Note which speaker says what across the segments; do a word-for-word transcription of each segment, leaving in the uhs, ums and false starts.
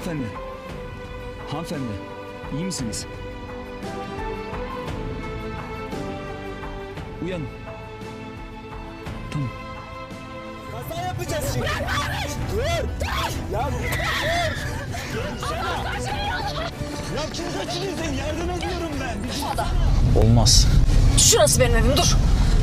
Speaker 1: Hanımefendi. Hanımefendi. İyi misiniz? Uyanın. Tamam.
Speaker 2: Kaza yapacağız şimdi. Dur. Ya dur. Ya kim kaçırıyor seni? Yardım ediyorum ben.
Speaker 1: Olmaz.
Speaker 3: Şurası benim evim, dur.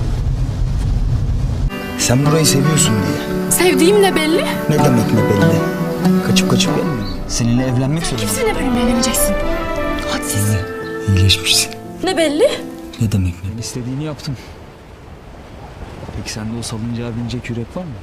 Speaker 1: Sen burayı seviyorsun diye.
Speaker 3: Sevdiğim ne belli?
Speaker 1: Ne demek ne belli? Kaçıp kaçıp gelmiyor. Seninle evlenmek zorunda.
Speaker 3: Kimseyle benimle evleneceksin. Hadsiz.
Speaker 1: İyileşmişsin.
Speaker 3: Ne belli?
Speaker 1: Ne demek ne? Ben istediğini yaptım. Peki sende o salıncağa binecek yürek var mı?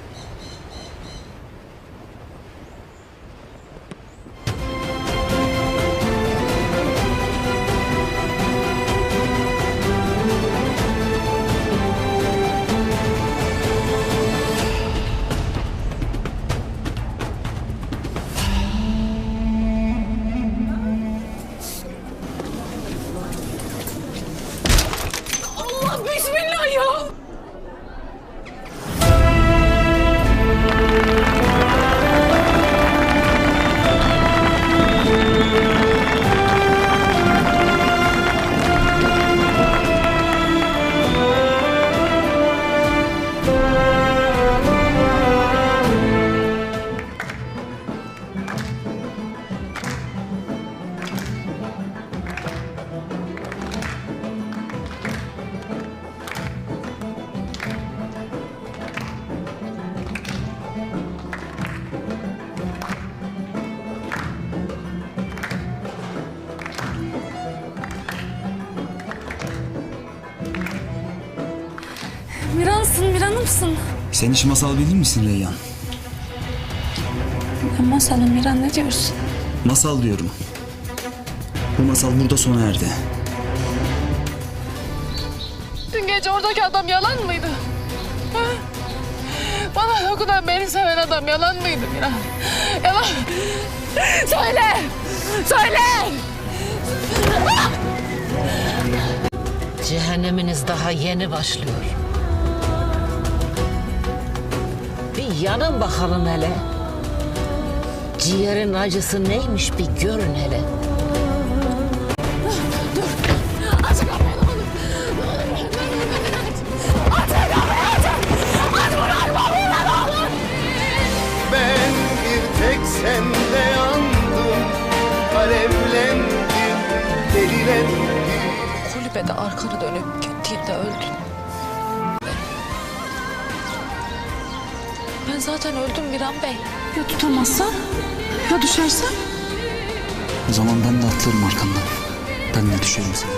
Speaker 3: Allah bismillah ya. Miransın, Miran'ımsın.
Speaker 1: Sen hiç masal bilir misin Reyhan?
Speaker 3: Ne masalı Miran, ne diyorsun?
Speaker 1: Masal diyorum. Bu masal burada sona erdi.
Speaker 3: Dün gece oradaki adam yalan mıydı? Ha? Bana dokunan, beni seven adam yalan mıydı Miran? Yalan. Söyle! Söyle!
Speaker 4: Cehenneminiz daha yeni başlıyor. Bir yanın bakalım hele. Ciğerin acısı neymiş bir görün hele.
Speaker 3: Aç kapıyı ne olur. Ne olur. Aç kapıyı, aç. Aç bunu, açma bunu, ne olur.
Speaker 2: Ben bir tek sende yandım. Alevlendim, delilendim.
Speaker 3: Kulübede arkanı dönüp gittiğimde öldün. Ben zaten öldüm Miran Bey. Ya tutamazsan? Ya düşersen?
Speaker 1: O zaman ben de atlarım arkandan. Ben de düşerim sana.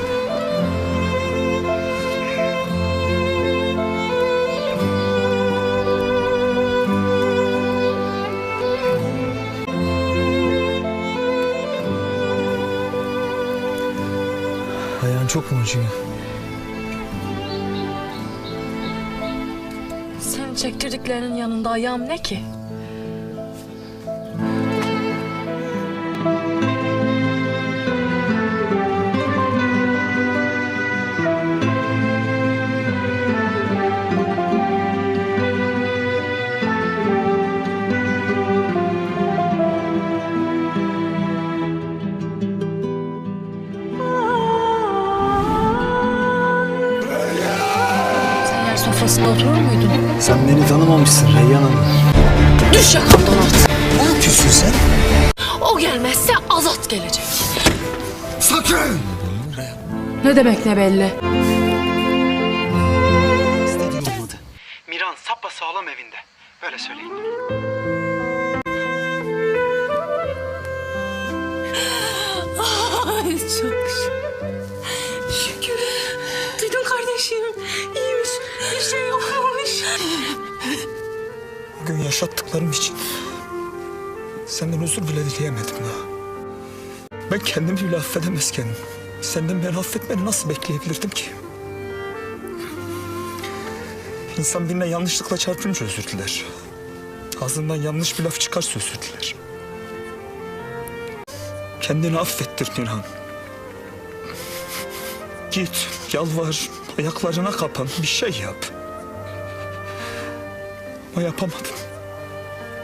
Speaker 1: Ayağın çok mu acıyor?
Speaker 3: Senin çektirdiklerinin yanında ayağım ne ki? Sen yer sofrasında oturur muydun?
Speaker 1: Sen beni tanımamışsın Reyhan Hanım.
Speaker 3: Düş yakamdan at.
Speaker 1: Ne yapıyorsun sen?
Speaker 3: O gelmezse Azat gelecek.
Speaker 1: Sakın!
Speaker 3: Ne demek ne belli?
Speaker 1: İstediğim olmadı.
Speaker 5: Miran sapasağlam evinde. Böyle söyleyin.
Speaker 3: Ay çok şükür. Şükür. Duydun kardeşim. İyiymiş. Bir şey yokmuş.
Speaker 6: Bugün yaşattıklarım için senden özür bile dileyemedim daha. Ben kendimi bile affedemezken senden beni affetmeni nasıl bekleyebilirdim ki? İnsan birine yanlışlıkla çarpınca özür diler. Ağzından yanlış bir laf çıkarsa özür diler. Kendini affettir Nurhan. Git, yalvar, ayaklarına kapan, bir şey yap. Ama yapamadım.